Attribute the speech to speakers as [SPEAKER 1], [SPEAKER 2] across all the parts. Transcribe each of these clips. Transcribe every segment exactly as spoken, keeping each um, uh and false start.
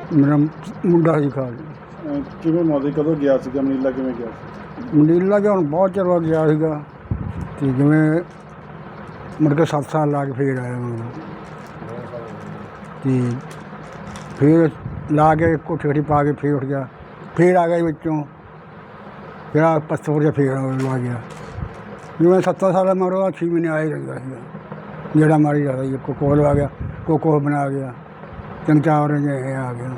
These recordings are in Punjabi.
[SPEAKER 1] ਮੇਰਾ ਮੁੰਡਾ ਸੀ ਖਾਲ।
[SPEAKER 2] ਅਹ ਕਿਵੇਂ ਮੌਤ ਕਦੋਂ ਗਿਆ ਸੀਗਾ ਮਨੀਲਾ ਕਿਵੇਂ ਗਿਆ ਸੀ?
[SPEAKER 1] ਮਨੀਲਾ ਗਿਆ ਹੁਣ ਬਹੁਤ ਚਿਰ ਬਾਅਦ ਗਿਆ ਸੀਗਾ ਅਤੇ ਜਿਵੇਂ ਮੁੜ ਕੇ ਸੱਤ ਸਾਲ ਲਾ ਕੇ ਫੇਰ ਆਇਆ ਮੈਂ ਅਤੇ ਫਿਰ ਲਾ ਕੇ ਕੋਠੀ ਕੋਠੀ ਪਾ ਕੇ ਫੇਰ ਉੱਠ ਗਿਆ, ਫੇਰ ਆ ਗਿਆ ਵਿੱਚੋਂ, ਫਿਰ ਆ ਪੱਥਰ ਜਿਹਾ ਫੇਰ ਲਾ ਗਿਆ। ਜਿਵੇਂ ਸੱਤਾਂ ਸਾਲ ਮਰੋ ਛੇ ਮਹੀਨੇ ਆਏ ਰਹਿੰਦਾ ਸੀਗਾ, ਜਿਹੜਾ ਮਾਰੀ ਜਾਂਦਾ ਸੀ। ਕੋ ਕੋਲ ਆ ਗਿਆ, ਕੋ ਕੋਲ ਬਣਾ ਗਿਆ, ਤਿੰਨ ਚਾਰ ਜਿਹੇ ਆ ਗਿਆ।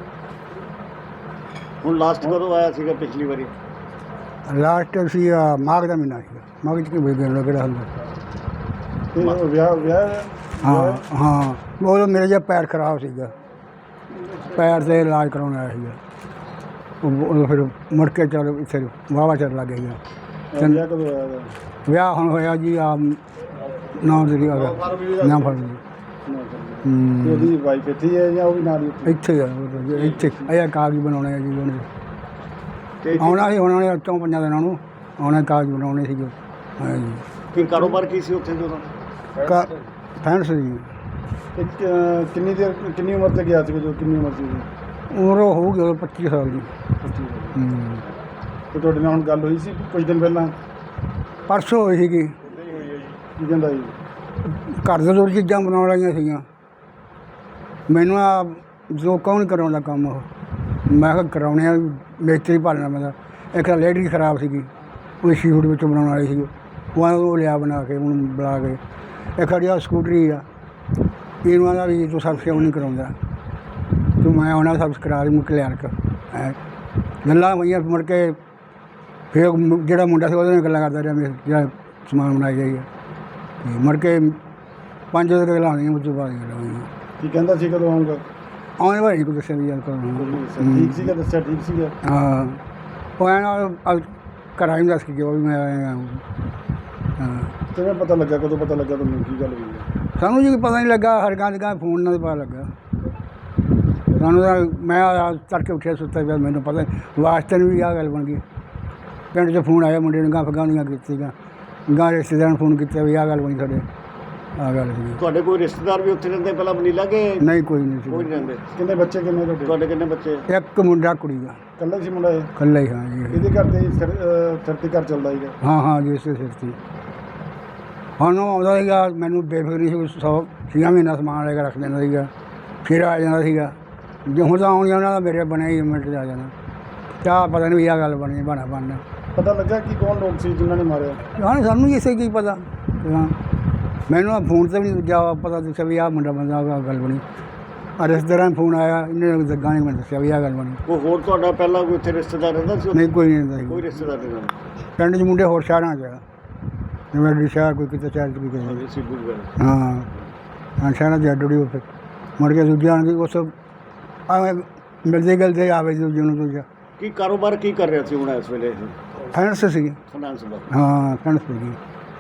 [SPEAKER 3] ਹੁਣ ਲਾਸਟ ਕਦੋਂ ਆਇਆ ਸੀਗਾ ਪਿਛਲੀ ਵਾਰੀ?
[SPEAKER 1] ਲਾਸਟ ਸੀ ਆਹ ਮਾਘ ਦਾ ਮਹੀਨਾ ਸੀਗਾ। ਮਾਘ 'ਚ ਕੀ ਬੇਗਨ ਕਿਹੜਾ ਹੁੰਦਾ।
[SPEAKER 2] ਤੇ ਉਹ ਵਿਆਹ ਵਿਆਹ
[SPEAKER 1] ਹਾਂ ਹਾਂ ਉਹ ਮੇਰੇ ਜਿਹਾ ਪੈਰ ਖਰਾਬ ਸੀਗਾ, ਪੈਰ 'ਤੇ ਇਲਾਜ ਕਰਾਉਣ ਆਇਆ ਸੀਗਾ। ਉਹ ਉਦੋਂ ਫਿਰ ਮੁੜ ਕੇ ਚੱਲ ਇੱਥੇ ਵਾਹਵਾ ਚਿਰ ਲੱਗ ਗਿਆ।
[SPEAKER 2] ਵਿਆਹ ਕਦੋਂ ਆਇਆ ਇਹਦਾ?
[SPEAKER 1] ਵਿਆਹ ਹੁਣ ਹੋਇਆ ਜੀ ਆ ਨੌਂ ਤਰੀਕ ਆ ਗਿਆ, ਨੌਂ ਫਰਵਰੀ।
[SPEAKER 2] ਤੇ ਉਹਦੀ ਵਾਈਫ ਇੱਥੇ ਹੈ ਜਾਂ ਉਹ ਵੀ ਨਾਲ ਹੀ ਉੱਥੇ?
[SPEAKER 1] ਇੱਥੇ ਆ ਉਹ ਤਾਂ ਇੱਥੇ ਇਹ ਕਾਗਜ਼ ਬਣਾਉਣੇ ਆ ਜੀ ਉਹਨੇ।
[SPEAKER 3] ਤੇ
[SPEAKER 1] ਆਉਣਾ ਸੀ ਉਹਨਾਂ ਨੇ ਚੌਂ ਪੰਜਾਂ ਦਿਨਾਂ ਨੂੰ ਆਉਣਾ, ਕਾਗਜ਼ ਬਣਾਉਣੇ ਸੀਗੇ। ਹਾਂ ਜੀ
[SPEAKER 3] ਕੀ ਕਾਰੋਬਾਰ ਕੀ ਸੀ ਉੱਥੇ ਜਦੋਂ?
[SPEAKER 1] ਕਾ ਫੈਂਸ ਜੀ
[SPEAKER 2] ਤੇ ਕ- ਕਿੰਨੀ ਦੇਰ ਕਿੰਨੀ ਉਮਰ ਤੇ ਗਿਆ ਸੀਗਾ ਜੋ ਕਿੰਨੀ ਉਮਰ ਸੀ ਉਹਦੀ?
[SPEAKER 1] ਉਮਰ ਹੋ ਗਈ ਉਦੋਂ ਪੱਚੀ ਸਾਲ ਦੀ।
[SPEAKER 2] ਪੱਚੀ।
[SPEAKER 1] ਹੂੰ।
[SPEAKER 2] ਤੇ ਤੁਹਾਡੇ ਨਾਲ ਹੁਣ ਗੱਲ ਹੋਈ ਸੀ ਕੁਝ ਦਿਨ ਪਹਿਲਾਂ?
[SPEAKER 1] ਪਰਸੋਂ ਹੋਈ ਸੀਗੀ।
[SPEAKER 2] ਕੀ ਕਹਿੰਦਾ ਜੀ?
[SPEAKER 1] ਘਰ ਦੇ ਦੋ ਚੀਜ਼ਾਂ ਬਣਾਉਣ ਵਾਲੀਆਂ ਸੀਗੀਆਂ। ਮੈਨੂੰ ਆ ਜੋ ਕੌਣ ਕਰਾਉਂਦਾ ਕੰਮ ਉਹ, ਮੈਂ ਕਿਹਾ ਕਰਾਉਣੇ ਆ, ਮਿਸਤਰੀ ਭਾਲਣਾ ਪੈਂਦਾ। ਇੱਕ ਤਾਂ ਲੈਟਰੀ ਖਰਾਬ ਸੀਗੀ, ਉਹ ਸ਼ੀਟ ਵਿੱਚੋਂ ਬਣਾਉਣ ਵਾਲੀ ਸੀਗੀ, ਉਹ ਉਹ ਲਿਆ ਬਣਾ ਕੇ ਉਹਨੂੰ ਬੁਲਾ ਕੇ। ਇੱਕ ਸਾਡੀ ਆਹ ਸਕੂਟਰੀ ਆ, ਇਹਨੂੰ ਦਾ ਵੀ ਤੂੰ ਸਰਵਿਸ ਕਿਉਂ ਨਹੀਂ ਕਰਾਉਂਦਾ, ਤੂੰ ਮੈਂ ਉਹਨਾਂ ਸਰਵਿਸ ਕਰਾ ਦੀ ਮੁੱਕ ਲਿਆ ਕੇ ਐ ਗੱਲਾਂ ਹੋਈਆਂ। ਮੁੜ ਕੇ ਫਿਰ ਮੁ- ਜਿਹੜਾ ਮੁੰਡਾ ਸੀ ਉਹਦੇ ਨਾਲ ਗੱਲਾਂ ਕਰਦਾ ਰਿਹਾ, ਮੇਰੇ ਜਿਹੜਾ ਸਮਾਨ ਬਣਾਈ ਜਾਈਏ। ਅਤੇ ਮੁੜ ਕੇ ਪੰਜ ਵਜੇ ਗੱਲਾਂ ਹੋਈਆਂ, ਉਸ ਤੋਂ ਬਾਅਦ ਗੱਲਾਂ ਹੋਈਆਂ।
[SPEAKER 2] ਕੀ ਕਹਿੰਦਾ ਸੀ ਕਦੋਂ ਆਊਂਗਾ?
[SPEAKER 1] ਆਉਣੇ ਵਾਲੀ ਕੋਈ ਦੱਸਿਆ ਵੀ ਯਾਰ ਕਦੋਂ।
[SPEAKER 2] ਠੀਕ ਸੀਗਾ, ਦੱਸਿਆ ਠੀਕ ਸੀਗਾ।
[SPEAKER 1] ਹਾਂ ਉਹ ਐਂ ਨਾਲ ਘਰਾਂ ਹੀ ਦੱਸ ਕੇ ਗਿਆ ਵੀ ਮੈਂ ਆਇਆ। ਹਾਂ
[SPEAKER 2] ਕਿਵੇਂ ਪਤਾ ਲੱਗਾ, ਕਦੋਂ ਪਤਾ ਲੱਗਾ ਤੁਹਾਨੂੰ, ਕੀ ਗੱਲ ਹੋਈ ਹੈ?
[SPEAKER 1] ਸਾਨੂੰ ਜੀ ਪਤਾ ਨਹੀਂ ਲੱਗਾ, ਹਰ ਗਾਂ ਦੀ ਗਾਂ ਫੋਨ ਨਾਲ ਪਤਾ ਲੱਗਾ ਸਾਨੂੰ ਤਾਂ। ਮੈਂ ਆ ਤੜਕੇ ਉੱਠਿਆ ਸੁੱਤਾ ਪਿਆ, ਮੈਨੂੰ ਪਤਾ ਵਾਸਤੇ ਨੂੰ ਵੀ ਆਹ ਗੱਲ ਬਣ ਗਈ। ਪਿੰਡ 'ਚ ਫੋਨ ਆਇਆ ਮੁੰਡੇ ਨੂੰ, ਗਾਂ ਫਗਾਉਣੀਆਂ ਕੀਤੀਆਂ, ਗਾਂ ਰਿਸ਼ਤੇਦਾਰਾਂ ਨੂੰ ਫੋਨ ਕੀਤਾ ਵੀ ਆਹ ਗੱਲ ਬਣੀ ਸਾਡੇ, ਆਹ ਗੱਲ ਸੀ।
[SPEAKER 3] ਤੁਹਾਡੇ ਕੋਈ ਰਿਸ਼ਤੇਦਾਰ ਵੀ ਉੱਥੇ ਰਹਿੰਦੇ ਪਹਿਲਾਂ ਮਨੀਲਾ ਕਿ
[SPEAKER 1] ਨਹੀਂ ਕੋਈ ਨਹੀਂ
[SPEAKER 3] ਕੋਈ
[SPEAKER 1] ਸੀ।
[SPEAKER 3] ਨਹੀਂ ਰਹਿੰਦੇ?
[SPEAKER 2] ਕਿੰਨੇ ਬੱਚੇ ਕਿੰਨੇ ਤੁਹਾਡੇ?
[SPEAKER 3] ਤੁਹਾਡੇ ਕਿੰਨੇ ਬੱਚੇ?
[SPEAKER 1] ਇੱਕ ਮੁੰਡਾ ਕੁੜੀ ਦਾ,
[SPEAKER 2] ਇਕੱਲਾ ਹੀ ਸੀ ਮੁੰਡਾ ਇਹ?
[SPEAKER 1] ਇਕੱਲਾ ਹੀ। ਹਾਂ ਜੀ
[SPEAKER 2] ਇਹਦੇ ਘਰ ਤੇ ਸਿਰ ਅਹ ਸਿਰ ਤੇ ਘਰ ਚੱਲਦਾ ਸੀਗਾ?
[SPEAKER 1] ਹਾਂ ਹਾਂ ਜੀ ਇਸੇ ਸਿਰ 'ਤੇ ਹੁਣ ਉਹ ਆਉਂਦਾ ਸੀਗਾ, ਮੈਨੂੰ ਬੇਫਿਕਰੀ ਸੀ। ਸੌ ਛੀਆਂ ਮਹੀਨਾ ਸਮਾਨ ਲੈ ਕੇ ਰੱਖ ਦਿੰਦਾ ਸੀਗਾ, ਫਿਰ ਆ ਜਾਂਦਾ ਸੀਗਾ। ਜੇ ਹੁਣ ਤਾਂ ਆਉਣੀ ਉਹਨਾਂ ਦਾ ਮੇਰੇ ਬਣਿਆ ਹੀ ਮਿੰਟ 'ਚ ਆ ਜਾਣਾ। ਚਾਹ ਪਤਾ ਨਹੀਂ ਵੀ ਆਹ ਗੱਲ ਬਣੀ ਬਣਾ ਬਣਨਾ।
[SPEAKER 2] ਪਤਾ ਲੱਗਾ ਕਿ ਕੌਣ ਲੋਕ ਸੀ ਜਿਨ੍ਹਾਂ ਨੇ ਮਾਰਿਆ?
[SPEAKER 1] ਹਾਂ ਸਾਨੂੰ ਵੀ ਇਸੇ ਕੀ ਪਤਾ। ਹਾਂ ਮੈਨੂੰ ਆ ਫੋਨ 'ਤੇ ਵੀ ਨਹੀਂ ਜਾ ਪਤਾ ਦੱਸਿਆ ਵੀ ਆਹ ਮੁੰਡਾ ਬੰਦਾ ਆਹ ਗੱਲ ਬਣੀ। ਆ ਰਿਸ਼ਤੇਦਾਰਾਂ ਨੂੰ ਫੋਨ ਆਇਆ, ਇਹਨੇ ਗੱਗਾਂ ਨੇ ਮੈਨੂੰ ਦੱਸਿਆ ਵੀ ਆਹ ਗੱਲ ਬਣੀ।
[SPEAKER 3] ਕੋਈ ਹੋਰ ਤੁਹਾਡਾ ਪਹਿਲਾਂ ਕੋਈ ਉੱਥੇ ਰਿਸ਼ਤੇਦਾਰ ਰਹਿੰਦਾ ਸੀ ਉੱਥੇ?
[SPEAKER 1] ਨਹੀਂ ਕੋਈ ਨਹੀਂ ਰਹਿੰਦਾ ਸੀ।
[SPEAKER 3] ਕੋਈ ਰਿਸ਼ਤੇਦਾਰ ਨਹੀਂ ਰਹਿੰਦਾ?
[SPEAKER 1] ਪਿੰਡ 'ਚ ਮੁੰਡੇ ਹੋਰ ਸ਼ਹਿਰਾਂ 'ਚ ਆ, ਜਿਵੇਂ ਅੱਡੀ ਸ਼ਹਿਰ ਕੋਈ ਕਿਤੇ ਸ਼ਹਿਰ 'ਚ ਕੋਈ ਕਿਤੇ।
[SPEAKER 3] ਹਾਂਜੀ ਸਿੱਧੂ ਦੀ ਗੱਲ।
[SPEAKER 1] ਹਾਂ ਹਾਂ ਸ਼ਹਿਰਾਂ 'ਚ ਅੱਡ ਉੱਡੀ ਹੋ ਫਿਰ ਮੁੜ ਕੇ ਦੂਜਿਆਂ ਨੂੰ ਉਸ ਆਵੇਂ ਮਿਲਦੇ ਗਲਦੇ ਆਵੇ ਦੂਜੇ ਨੂੰ ਦੂਜਾ।
[SPEAKER 3] ਕੀ ਕਾਰੋਬਾਰ ਕੀ ਕਰ ਰਿਹਾ ਸੀ ਹੁਣ ਇਸ ਵੇਲੇ?
[SPEAKER 1] ਫੈਂਸ ਸੀ।
[SPEAKER 3] ਫਾਈਨਾਂਸ ਦਾ?
[SPEAKER 1] ਹਾਂ ਫੈਂਸ ਸੀਗੀ।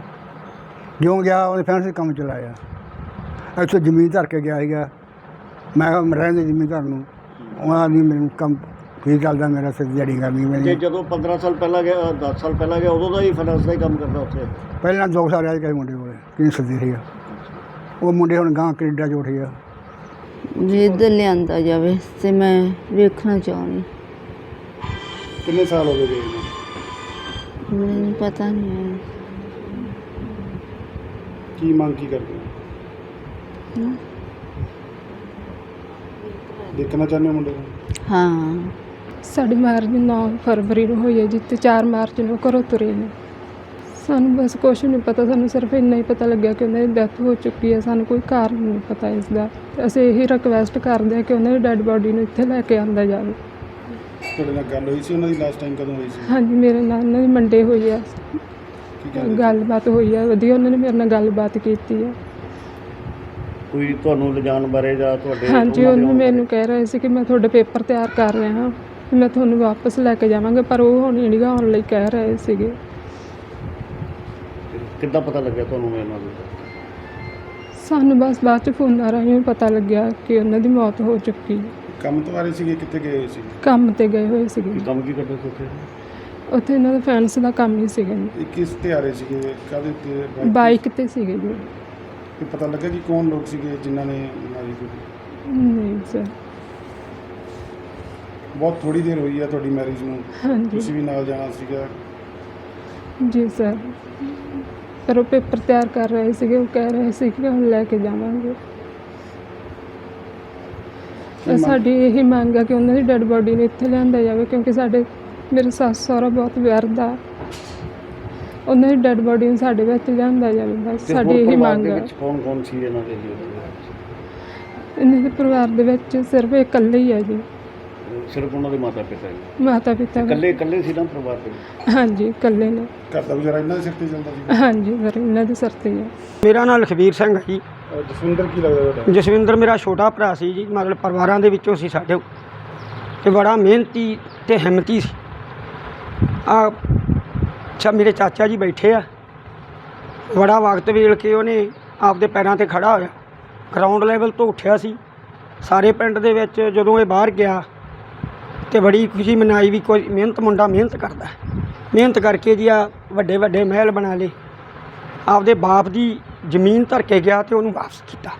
[SPEAKER 1] ਜਿਉਂ ਗਿਆ ਉਹਨੇ ਫੈਂਸ ਦੇ ਕੰਮ ਚਲਾਇਆ। ਇੱਥੇ ਜ਼ਮੀਨ ਧਰ ਕੇ ਗਿਆ ਸੀਗਾ। ਮੈਂ ਕਿਹਾ ਮੈਂ ਰਹਿੰਦੇ ਜ਼ਮੀਨ ਧਰ ਨੂੰ, ਉਹਨਾਂ ਦੀ ਮੈਨੂੰ ਕੰਮ ਠੀਕ ਚੱਲਦਾ, ਮੇਰਾ ਸਿਰ ਦਿਹਾੜੀ ਕਰਨੀ
[SPEAKER 3] ਜੇ
[SPEAKER 1] ਮੇਰੀ।
[SPEAKER 3] ਜਦੋਂ ਪੰਦਰਾਂ ਸਾਲ ਪਹਿਲਾਂ ਗਿਆ, ਦਸ ਸਾਲ ਪਹਿਲਾਂ ਗਿਆ, ਉਦੋਂ ਦਾ ਹੀ ਫਾਈਨਾਂਸ ਦਾ ਹੀ ਕੰਮ ਕਰਦਾ ਉੱਥੇ?
[SPEAKER 1] ਪਹਿਲਾਂ ਦੋ ਸਾਲ ਰਹਿ ਗਏ ਮੁੰਡੇ ਕੋਲ, ਕਿੰਨੀ ਸੱਦੀ ਸੀਗਾ। ਉਹ ਮੁੰਡੇ ਹੁਣ ਗਾਂ ਕੈਨੇਡਾ 'ਚ ਉੱਠ ਗਿਆ।
[SPEAKER 4] ਜੇ ਇੱਧਰ ਲਿਆਂਦਾ ਜਾਵੇ ਤੇ ਮੈਂ ਵੇਖਣਾ ਚਾਹੁੰਦੀ।
[SPEAKER 2] ਕਿੰਨੇ ਸਾਲ ਹੋ ਗਏ ਗਏ ਨੂੰ?
[SPEAKER 4] ਮੈਨੂੰ ਪਤਾ ਨਹੀਂ ਹੈ।
[SPEAKER 2] ਕੀ ਮੰਗ ਕੀ ਕਰਦੇ ਹੋ?
[SPEAKER 4] ਹਮ,
[SPEAKER 2] ਦੇਖਣਾ ਚਾਹੁੰਦੇ ਹੋ ਮੁੰਡੇ ਨੂੰ?
[SPEAKER 4] ਹਾਂ
[SPEAKER 5] ਸਾਡੀ ਮੈਰਿਜ ਨੌਂ ਫਰਵਰੀ ਨੂੰ ਹੋਈ ਹੈ, ਜਿੱਥੇ ਚਾਰ ਮਾਰਚ ਨੂੰ ਘਰੋਂ ਤੁਰੇ ਨੇ। ਸਾਨੂੰ ਬਸ ਕੁਛ ਨਹੀਂ ਪਤਾ, ਸਾਨੂੰ ਸਿਰਫ ਇੰਨਾ ਹੀ ਪਤਾ ਲੱਗਿਆ ਕਿ ਉਹਨਾਂ ਦੀ ਡੈਥ ਹੋ ਚੁੱਕੀ ਹੈ। ਸਾਨੂੰ ਕੋਈ ਕਾਰਨ ਨਹੀਂ ਪਤਾ ਇਸ ਦਾ। ਤੇ ਅਸੀਂ ਇਹੀ ਰਿਕਵੈਸਟ ਕਰਦੇ ਹਾਂ ਕਿ ਉਹਨਾਂ ਦੀ ਡੈੱਡ ਬੋਡੀ ਨੂੰ ਇੱਥੇ ਲੈ ਕੇ ਆਂਦਾ ਜਾਵੇ।
[SPEAKER 2] ਤੁਹਾਡੇ ਨਾਲ ਗੱਲ ਹੋਈ ਸੀ ਉਹਨਾਂ ਦੀ ਲਾਸਟ ਟਾਈਮ ਕਦੋਂ ਹੋਈ ਸੀ?
[SPEAKER 5] ਹਾਂਜੀ ਮੇਰੇ ਨਾਲ ਉਹਨਾਂ ਦੀ ਮੰਡੇ ਹੋਈ ਆ,
[SPEAKER 2] ਕੀ ਕਹਿੰਦੇ?
[SPEAKER 5] ਗੱਲਬਾਤ ਹੋਈ ਆ ਵਧੀਆ, ਉਹਨਾਂ ਨੇ ਮੇਰੇ ਨਾਲ ਗੱਲਬਾਤ ਕੀਤੀ ਆ।
[SPEAKER 3] ਕੋਈ ਤੁਹਾਨੂੰ ਲਿਜਾਣ ਬਾਰੇ ਜਾਂ ਤੁਹਾਡੇ?
[SPEAKER 5] ਹਾਂਜੀ
[SPEAKER 3] ਉਹਨਾਂ ਦੇ
[SPEAKER 5] ਉਹਨੂੰ
[SPEAKER 3] ਆਉਣ
[SPEAKER 5] ਮੈਨੂੰ ਕਹਿ ਰਹੇ ਸੀ ਕਿ ਮੈਂ ਤੁਹਾਡੇ ਪੇਪਰ ਤਿਆਰ ਕਰ ਰਿਹਾ ਹਾਂ, ਮੈਂ ਤੁਹਾਨੂੰ ਵਾਪਸ ਲੈ ਕੇ ਜਾਵਾਂਗਾ, ਪਰ ਉਹ ਹੁਣ ਇੰਡੀਆ ਆਉਣ ਲਈ ਕਹਿ ਰਹੇ ਸੀਗੇ।
[SPEAKER 3] ਬਾਰੇ? ਕਿੱਦਾਂ ਪਤਾ ਲੱਗਿਆ ਤੁਹਾਨੂੰ ਇਹਨਾਂ ਦਾ?
[SPEAKER 5] ਸਾਨੂੰ ਬਸ ਬਾਅਦ 'ਚ ਫੋਨਾਂ ਰਾਹੀਂ ਪਤਾ ਲੱਗਿਆ ਕਿ ਉਹਨਾਂ ਦੀ ਮੌਤ ਹੋ ਚੁੱਕੀ ਹੈ।
[SPEAKER 2] ਕੰਮ ਤੋਂ ਆ ਰਹੇ ਸੀਗੇ, ਕਿੱਥੇ ਗਏ ਹੋਏ ਸੀ?
[SPEAKER 5] ਕੰਮ 'ਤੇ ਗਏ ਹੋਏ ਸੀਗੇ।
[SPEAKER 3] ਕੀ ਕੰਮ ਕੀ ਕਰਦੇ ਸੀ ਉੱਥੇ?
[SPEAKER 5] ਉੱਥੇ ਇਹਨਾਂ ਦਾ ਫੈਂਸ ਦਾ ਕੰਮ ਹੀ ਸੀਗਾ ਜੀ।
[SPEAKER 2] ਇਹ ਕਿਸ ਤੇ ਆ ਰਹੇ ਸੀਗੇ, ਕਾਹਦੇ ਤੇ?
[SPEAKER 5] ਬਾਈਕ 'ਤੇ ਸੀਗੇ ਜੀ।
[SPEAKER 2] ਇਹ ਪਤਾ ਲੱਗਾ ਕਿ ਕੌਣ ਲੋਕ ਸੀਗੇ ਜਿਨ੍ਹਾਂ ਨੇ ਮਾਰੀ ਗੋਲੀ?
[SPEAKER 5] ਨਹੀਂ ਸਰ।
[SPEAKER 2] ਬਹੁਤ ਥੋੜੀ ਦੇਰ ਹੋਈ ਹੈ ਤੁਹਾਡੀ ਮੈਰਿਜ ਨੂੰ,
[SPEAKER 5] ਹਾਂਜੀ
[SPEAKER 2] ਤੁਸੀਂ ਵੀ ਨਾਲ ਜਾਣਾ ਸੀਗਾ।
[SPEAKER 5] ਜੀ ਸਰ, ਪਰ ਉਹ ਪੇਪਰ ਤਿਆਰ ਕਰ ਰਹੇ ਸੀਗੇ, ਉਹ ਕਹਿ ਰਹੇ ਸੀ ਕਿ ਹੁਣ ਲੈ ਕੇ ਜਾਵਾਂਗੇ।
[SPEAKER 2] ਕੀ ਮੰਗ-
[SPEAKER 5] ਸਾਡੀ ਇਹੀ ਮੰਗ ਹੈ ਕਿ ਉਹਨਾਂ ਦੀ ਡੈੱਡ ਬੋਡੀ ਨੂੰ ਇੱਥੇ ਲਿਆਂਦਾ ਜਾਵੇ, ਕਿਉਂਕਿ ਸਾਡੇ ਮੇਰੇ ਸੱਸ ਸਹੁਰਾ ਬਹੁਤ ਵਿਅਰਦਾ, ਉਹਨਾਂ ਦੀ ਡੈੱਡ ਬੋਡੀ ਨੂੰ ਸਾਡੇ ਵਿੱਚ ਲਿਆਂਦਾ ਜਾਵੇ, ਬਸ
[SPEAKER 3] ਤੇ
[SPEAKER 5] ਸਾਡੀ
[SPEAKER 3] ਹੋਰ
[SPEAKER 5] ਇਹੀ
[SPEAKER 3] ਪਰਿਵਾਰ
[SPEAKER 5] ਮੰਗ
[SPEAKER 3] ਦੇ
[SPEAKER 5] ਹੈ।
[SPEAKER 3] ਵਿੱਚ ਕੌਣ ਕੌਣ ਸੀ ਇਹਨਾਂ ਦੇ ਜੀ ਉੱਥੇ?
[SPEAKER 5] ਇਹਨਾਂ ਦੇ ਪਰਿਵਾਰ ਦੇ ਵਿੱਚ ਸਿਰਫ ਇਹ ਇਕੱਲੇ ਹੀ ਹੈ ਜੀ,
[SPEAKER 3] ਸਿਰਫ ਉਹਨਾਂ ਦੇ ਮਾਤਾ ਪਿਤਾ ਜੀ?
[SPEAKER 5] ਮਾਤਾ ਪਿਤਾ
[SPEAKER 3] ਇਕੱਲੇ ਇਕੱਲੇ ਸੀ ਨਾ ਪਰਿਵਾਰ ਦੇ ਵਿੱਚ?
[SPEAKER 5] ਹਾਂਜੀ ਇਕੱਲੇ ਨੇ।
[SPEAKER 2] ਘਰ ਦਾ ਗੁਜ਼ਾਰਾ ਇਹਨਾਂ ਦੇ ਸਿਰ ਤੇ ਚੱਲਦਾ ਸੀ।
[SPEAKER 5] ਹਾਂਜੀ ਸਰ, ਇਹਨਾਂ ਦੇ ਸਿਰ ਤੇ ਹੀ ਹੈ।
[SPEAKER 6] ਮੇਰਾ ਨਾਮ ਲਖਬੀਰ ਸਿੰਘ ਹੈ ਜੀ।
[SPEAKER 2] ਅਹ ਜਸਵਿੰਦਰ ਕੀ ਲੱਗਦਾ ਤੁਹਾਡਾ?
[SPEAKER 6] ਜਸਵਿੰਦਰ ਮੇਰਾ ਛੋਟਾ ਭਰਾ ਸੀ ਜੀ, ਮਤਲਬ ਪਰਿਵਾਰਾਂ ਦੇ ਵਿੱਚੋਂ ਸੀ ਸਾਡੇ, ਤੇ ਬੜਾ ਮਿਹਨਤੀ ਤੇ ਹਿੰਮਤੀ ਸੀ। ਆ ਅੱਛਾ, ਮੇਰੇ ਚਾਚਾ ਜੀ ਬੈਠੇ ਆ, ਬੜਾ ਵਕਤ ਵੇਲ ਕੇ ਉਹਨੇ ਆਪਦੇ ਪੈਰਾਂ ਤੇ ਖੜਾ ਹੋਇਆ, ਗਰਾਊਂਡ ਲੈਵਲ ਤੋਂ ਉੱਠਿਆ ਸੀ। ਸਾਰੇ ਪਿੰਡ ਦੇ ਵਿੱਚ ਜਦੋਂ ਇਹ ਬਾਹਰ ਗਿਆ ਤੇ ਬੜੀ ਖੁਸ਼ੀ ਮਨਾਈ ਵੀ ਕੋਈ ਮਿਹਨਤ ਮੁੰਡਾ ਮਿਹਨਤ ਕਰਦਾ, ਮਿਹਨਤ ਕਰਕੇ ਜੀ ਆ ਵੱਡੇ ਵੱਡੇ ਮਹਿਲ ਬਣਾ ਲਏ। ਆਪਦੇ ਬਾਪ ਦੀ ਜ਼ਮੀਨ ਧਰ ਕੇ ਗਿਆ ਤੇ ਉਹਨੂੰ ਵਾਪਸ ਕੀਤਾ।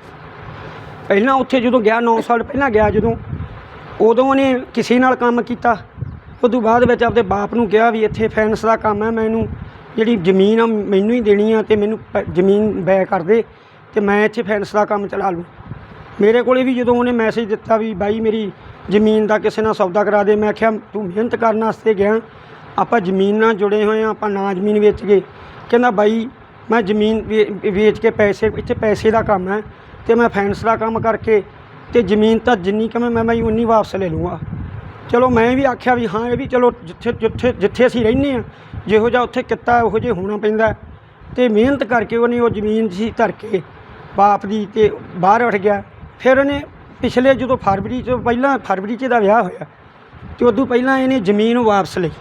[SPEAKER 6] ਪਹਿਲਾਂ ਉੱਥੇ ਜਦੋਂ ਗਿਆ ਨੌ ਸਾਲ ਪਹਿਲਾਂ ਗਿਆ ਜਦੋਂ, ਉਦੋਂ ਉਹਨੇ ਕਿਸੇ ਨਾਲ ਕੰਮ ਕੀਤਾ। ਉਦੋਂ ਬਾਅਦ ਵਿੱਚ ਆਪਦੇ ਬਾਪ ਨੂੰ ਕਿਹਾ ਵੀ ਇੱਥੇ ਫਾਈਨੈਂਸ ਦਾ ਕੰਮ ਹੈ, ਮੈਨੂੰ ਜਿਹੜੀ ਜ਼ਮੀਨ ਆ ਮੈਨੂੰ ਹੀ ਦੇਣੀ ਆ, ਅਤੇ ਮੈਨੂੰ ਪ- ਜ਼ਮੀਨ ਬੈ ਕਰ ਦੇ ਅਤੇ ਮੈਂ ਇੱਥੇ ਫਾਈਨੈਂਸ ਦਾ ਕੰਮ ਚਲਾ ਲੂੰ। ਮੇਰੇ ਕੋਲ ਵੀ ਜਦੋਂ ਉਹਨੇ ਮੈਸੇਜ ਦਿੱਤਾ ਵੀ ਬਾਈ ਮੇਰੀ ਜ਼ਮੀਨ ਦਾ ਕਿਸੇ ਨਾਲ ਸੌਦਾ ਕਰਾ ਦੇ, ਮੈਂ ਆਖਿਆ ਤੂੰ ਮਿਹਨਤ ਕਰਨ ਵਾਸਤੇ ਗਿਆ, ਆਪਾਂ ਜ਼ਮੀਨ ਨਾਲ ਜੁੜੇ ਹੋਏ ਹਾਂ, ਆਪਾਂ ਨਾ ਜ਼ਮੀਨ ਵੇਚ ਗਏ। ਕਹਿੰਦਾ ਬਾਈ ਮੈਂ ਜ਼ਮੀਨ ਵੇ- ਵੇਚ ਕੇ ਪੈਸੇ, ਇੱਥੇ ਪੈਸੇ ਦਾ ਕੰਮ ਹੈ ਅਤੇ ਮੈਂ ਫਾਈਨੈਂਸ ਦਾ ਕੰਮ ਕਰਕੇ ਅਤੇ ਜ਼ਮੀਨ ਤਾਂ ਜਿੰਨੀ ਕਮੇ ਮੈਂ ਬਾਈ ਉਨੀ ਵਾਪਸ ਲੈ ਲੂੰਗਾ। ਚਲੋ ਮੈਂ ਵੀ ਆਖਿਆ ਵੀ ਹਾਂ ਇਹ ਵੀ ਚਲੋ ਜਿੱਥੇ ਜਿੱਥੇ ਜਿੱਥੇ ਅਸੀਂ ਰਹਿੰਦੇ ਹਾਂ ਜਿਹੋ ਜਿਹਾ ਉੱਥੇ ਕਿੱਤਾ ਉਹੋ ਜਿਹਾ ਹੋਣਾ ਪੈਂਦਾ, ਅਤੇ ਮਿਹਨਤ ਕਰਕੇ ਉਹਨੇ ਉਹ ਜ਼ਮੀਨ ਸੀ ਧਰ ਕੇ ਬਾਪ ਦੀ ਅਤੇ ਬਾਹਰ ਉੱਠ ਗਿਆ। ਫਿਰ ਉਹਨੇ ਪਿਛਲੇ ਜਦੋਂ ਫਰਵਰੀ ਤੋਂ ਪਹਿਲਾਂ ਫਰਵਰੀ 'ਚ ਦਾ ਵਿਆਹ ਹੋਇਆ ਅਤੇ ਉਦੋਂ ਪਹਿਲਾਂ ਇਹਨੇ ਜ਼ਮੀਨ ਵਾਪਸ ਲਈ,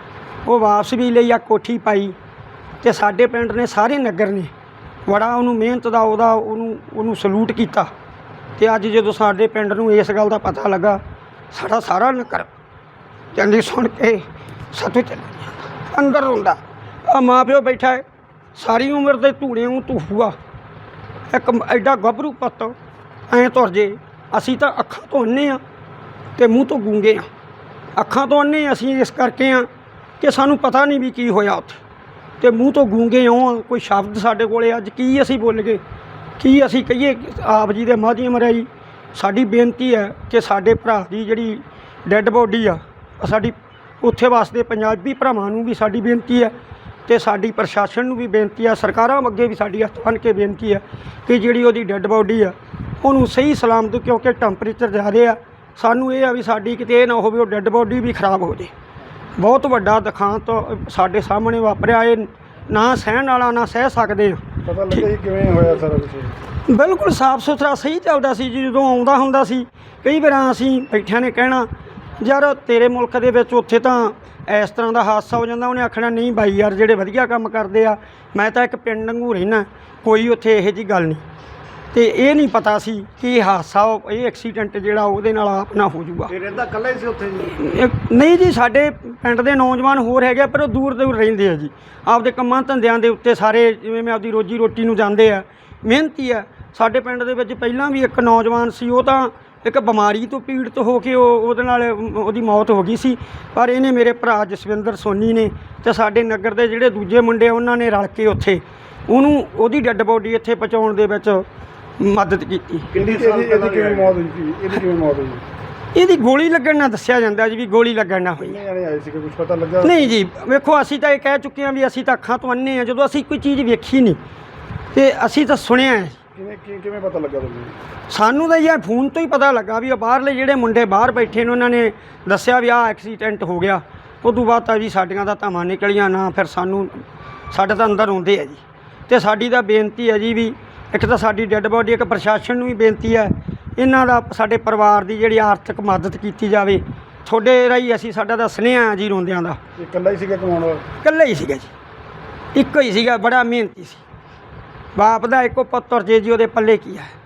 [SPEAKER 6] ਉਹ ਵਾਪਸ ਵੀ ਲਈ ਆ, ਕੋਠੀ ਪਾਈ, ਅਤੇ ਸਾਡੇ ਪਿੰਡ ਨੇ ਸਾਰੇ ਨਗਰ ਨੇ ਬੜਾ ਉਹਨੂੰ ਮਿਹਨਤ ਦਾ ਉਹਦਾ ਉਹਨੂੰ ਉਹਨੂੰ ਸਲੂਟ ਕੀਤਾ। ਅਤੇ ਅੱਜ ਜਦੋਂ ਸਾਡੇ ਪਿੰਡ ਨੂੰ ਇਸ ਗੱਲ ਦਾ ਪਤਾ ਲੱਗਾ, ਸਾਡਾ ਸਾਰਾ ਨਗਰ ਕਹਿੰਦੀ ਸੁਣ ਕੇ ਸਤੂ ਚੱਲ ਅੰਦਰ ਰੋਂਦਾ। ਆ ਮਾਂ ਪਿਓ ਬੈਠਾ ਹੈ, ਸਾਰੀ ਉਮਰ ਦੇ ਧੂੜੇ ਨੂੰ ਧੂਫੂਆ, ਇੱਕ ਐਡਾ ਗੱਭਰੂ ਪੁੱਤ ਐਂ ਤੁਰ ਜੇ। ਅਸੀਂ ਤਾਂ ਅੱਖਾਂ ਤੋਂ ਅੰਨੇ ਆ ਅਤੇ ਮੂੰਹ ਤੋਂ ਗੂੰਗੇ ਆ। ਅੱਖਾਂ ਤੋਂ ਅੰਨੇ ਅਸੀਂ ਇਸ ਕਰਕੇ ਆ ਕਿ ਸਾਨੂੰ ਪਤਾ ਨਹੀਂ ਵੀ ਕੀ ਹੋਇਆ ਉੱਥੇ, ਅਤੇ ਮੂੰਹ ਤੋਂ ਗੂੰਗੇ ਇਉਂ ਕੋਈ ਸ਼ਬਦ ਸਾਡੇ ਕੋਲ ਅੱਜ ਕੀ ਅਸੀਂ ਬੋਲ ਗਏ, ਕੀ ਅਸੀਂ ਕਹੀਏ। ਆਪ ਜੀ ਦੇ ਮਾਧਿਅਮ ਰਾਹੀਂ ਸਾਡੀ ਬੇਨਤੀ ਹੈ ਕਿ ਸਾਡੇ ਭਰਾ ਦੀ ਜਿਹੜੀ ਡੈੱਡ ਬੋਡੀ ਆ ਸਾਡੀ ਉੱਥੇ ਵਾਸਤੇ ਪੰਜਾਬੀ ਭਰਾਵਾਂ ਨੂੰ ਵੀ ਸਾਡੀ ਬੇਨਤੀ ਹੈ, ਅਤੇ ਸਾਡੀ ਪ੍ਰਸ਼ਾਸਨ ਨੂੰ ਵੀ ਬੇਨਤੀ ਆ, ਸਰਕਾਰਾਂ ਅੱਗੇ ਵੀ ਸਾਡੀ ਹੱਥ ਬੰਨ੍ਹ ਕੇ ਬੇਨਤੀ ਹੈ ਕਿ ਜਿਹੜੀ ਉਹਦੀ ਡੈੱਡ ਬੋਡੀ ਆ ਉਹਨੂੰ ਸਹੀ ਸਲਾਮਤ, ਕਿਉਂਕਿ ਟੈਂਪਰੇਚਰ ਜ਼ਿਆਦਾ ਆ, ਸਾਨੂੰ ਇਹ ਆ ਵੀ ਸਾਡੀ ਕਿਤੇ ਇਹ ਨਾ ਹੋਵੇ ਉਹ ਡੈੱਡ ਬੋਡੀ ਵੀ ਖਰਾਬ ਹੋ ਜੇ। ਬਹੁਤ ਵੱਡਾ ਦੁਖਾਂਤ ਸਾਡੇ ਸਾਹਮਣੇ ਵਾਪਰਿਆ, ਇਹ ਨਾ ਸਹਿਣ ਵਾਲਾ ਨਾ ਸਹਿ ਸਕਦੇ ਆ।
[SPEAKER 2] ਪਤਾ ਲੱਗਾ ਜੀ ਕਿਵੇਂ ਹੋਇਆ ਸਾਰਾ ਕੁਛ?
[SPEAKER 6] ਬਿਲਕੁਲ ਸਾਫ ਸੁਥਰਾ ਸਹੀ ਚੱਲਦਾ ਸੀ ਜੀ। ਜਦੋਂ ਆਉਂਦਾ ਹੁੰਦਾ ਸੀ ਕਈ ਵਾਰ ਅਸੀਂ ਬੈਠਿਆਂ ਨੇ ਕਹਿਣਾ ਯਾਰ ਤੇਰੇ ਮੁਲਕ ਦੇ ਵਿੱਚ ਉੱਥੇ ਤਾਂ ਇਸ ਤਰ੍ਹਾਂ ਦਾ ਹਾਦਸਾ ਹੋ ਜਾਂਦਾ, ਉਹਨੇ ਆਖਣਾ ਨਹੀਂ ਬਾਈ ਯਾਰ ਜਿਹੜੇ ਵਧੀਆ ਕੰਮ ਕਰਦੇ ਆ, ਮੈਂ ਤਾਂ ਇੱਕ ਪਿੰਡ ਵਾਂਗੂ ਰਹਿਣਾ, ਕੋਈ ਉੱਥੇ ਇਹੋ ਜਿਹੀ ਗੱਲ ਨਹੀਂ। ਅਤੇ ਇਹ ਨਹੀਂ ਪਤਾ ਸੀ ਕਿ ਇਹ ਹਾਦਸਾ ਇਹ ਐਕਸੀਡੈਂਟ ਜਿਹੜਾ ਉਹਦੇ ਨਾਲ ਆਪ ਨਾ ਹੋ ਜੂਗਾ।
[SPEAKER 3] ਇਹ ਰਹਿੰਦਾ ਇਕੱਲਾ ਹੀ ਸੀ ਉੱਥੇ ਜੀ?
[SPEAKER 6] ਇਹ- ਨਹੀਂ ਜੀ, ਸਾਡੇ ਪਿੰਡ ਦੇ ਨੌਜਵਾਨ ਹੋਰ ਹੈਗੇ, ਪਰ ਉਹ ਦੂਰ ਦੂਰ ਰਹਿੰਦੇ ਆ ਜੀ, ਆਪਦੇ ਕੰਮਾਂ ਧੰਦਿਆਂ ਦੇ ਉੱਤੇ ਸਾਰੇ, ਜਿਵੇਂ ਮੈਂ ਆਪਦੀ ਰੋਜੀ ਰੋਟੀ ਨੂੰ ਜਾਂਦੇ ਆ, ਮਿਹਨਤੀ ਆ। ਸਾਡੇ ਪਿੰਡ ਦੇ ਵਿੱਚ ਪਹਿਲਾਂ ਵੀ ਇੱਕ ਨੌਜਵਾਨ ਸੀ, ਉਹ ਤਾਂ ਇੱਕ ਬਿਮਾਰੀ ਤੋਂ ਪੀੜਤ ਹੋ ਕੇ ਉਹ ਉਹਦੇ ਨਾਲ ਉਹਦੀ ਮੌਤ ਹੋ ਗਈ ਸੀ, ਪਰ ਇਹਨੇ ਮੇਰੇ ਭਰਾ ਜਸਵਿੰਦਰ ਸੋਨੀ ਨੇ ਅਤੇ ਸਾਡੇ ਨਗਰ ਦੇ ਜਿਹੜੇ ਦੂਜੇ ਮੁੰਡੇ ਉਹਨਾਂ ਨੇ ਰਲ ਕੇ ਉੱਥੇ ਉਹਨੂੰ ਉਹਦੀ ਡੈੱਡ ਬੋਡੀ ਇੱਥੇ ਪਹੁੰਚਾਉਣ ਦੇ ਵਿੱਚ ਮਦਦ ਕੀਤੀ।
[SPEAKER 3] ਕਿੰਨੀ
[SPEAKER 2] ਇਹਦੀ
[SPEAKER 3] ਸਾਲ
[SPEAKER 2] ਇਹਦੀ
[SPEAKER 3] ਪਹਿਲਾਂ
[SPEAKER 2] ਕਿਵੇਂ ਮੌਤ ਹੋਈ ਸੀ? ਇਹਦੀ ਕਿਵੇਂ ਮੌਤ ਹੋਈ?
[SPEAKER 6] ਇਹਦੀ ਗੋਲੀ ਲੱਗਣ ਨਾਲ ਦੱਸਿਆ ਜਾਂਦਾ ਜੀ, ਵੀ ਗੋਲੀ ਲੱਗਣ ਨਾਲ ਹੋਈ।
[SPEAKER 2] ਕਿੰਨੇ ਜਾਣੇ ਆਏ ਸੀ, ਕੁਝ ਪਤਾ ਲੱਗਾ?
[SPEAKER 6] ਨਹੀਂ ਜੀ, ਵੇਖੋ ਅਸੀਂ ਤਾਂ ਇਹ ਕਹਿ ਚੁੱਕੇ ਹਾਂ ਵੀ ਅਸੀਂ ਤਾਂ ਅੱਖਾਂ ਤੋਂ ਅੰਨੇ ਹਾਂ, ਜਦੋਂ ਅਸੀਂ ਕੋਈ ਚੀਜ਼ ਵੇਖੀ ਨਹੀਂ ਅਤੇ ਅਸੀਂ ਤਾਂ ਸੁਣਿਆ ਹੈ।
[SPEAKER 2] ਕਿਵੇਂ ਕੀ- ਕਿਵੇਂ ਪਤਾ ਲੱਗਾ ਤੁਹਾਨੂੰ?
[SPEAKER 6] ਸਾਨੂੰ ਤਾਂ ਯਾਰ ਫੋਨ ਤੋਂ ਹੀ ਪਤਾ ਲੱਗਾ ਵੀ ਉਹ ਬਾਹਰਲੇ ਜਿਹੜੇ ਮੁੰਡੇ ਬਾਹਰ ਬੈਠੇ ਨੇ ਉਹਨਾਂ ਨੇ ਦੱਸਿਆ ਵੀ ਆਹ ਐਕਸੀਡੈਂਟ ਹੋ ਗਿਆ। ਉਦੋਂ ਬਾਅਦ ਤਾਂ ਜੀ ਸਾਡੀਆਂ ਦਾ ਧਾਵਾਂ ਨਿਕਲੀਆਂ ਨਾ, ਫਿਰ ਸਾਨੂੰ ਸਾਡੇ ਤਾਂ ਅੰਦਰ ਆਉਂਦੇ ਆ ਜੀ। ਅਤੇ ਸਾਡੀ ਤਾਂ ਬੇਨਤੀ ਹੈ ਜੀ ਵੀ ਇੱਕ ਤਾਂ ਸਾਡੀ ਡੈੱਡ ਬੋਡੀ, ਇੱਕ ਪ੍ਰਸ਼ਾਸਨ ਨੂੰ ਵੀ ਬੇਨਤੀ ਹੈ ਇਹਨਾਂ ਦਾ ਸਾਡੇ ਪਰਿਵਾਰ ਦੀ ਜਿਹੜੀ ਆਰਥਿਕ ਮਦਦ ਕੀਤੀ ਜਾਵੇ। ਤੁਹਾਡੇ ਰਾਹੀਂ ਅਸੀਂ ਸਾਡਾ ਤਾਂ ਸੁਨੇਹਾ ਜੀ ਰੋਂਦਿਆਂ ਦਾ।
[SPEAKER 2] ਇਹ ਇਕੱਲਾ ਹੀ ਸੀਗਾ ਕਮਾਉਣ ਵਾਲਾ?
[SPEAKER 6] ਇਕੱਲਾ ਹੀ ਸੀਗਾ ਜੀ, ਇੱਕੋ ਹੀ ਸੀਗਾ, ਬੜਾ ਮਿਹਨਤੀ ਸੀ। ਬਾਪ ਦਾ ਇੱਕੋ ਪੁੱਤਰ ਜੇ ਜੀ ਉਹਦੇ ਪੱਲੇ ਕੀ ਹੈ।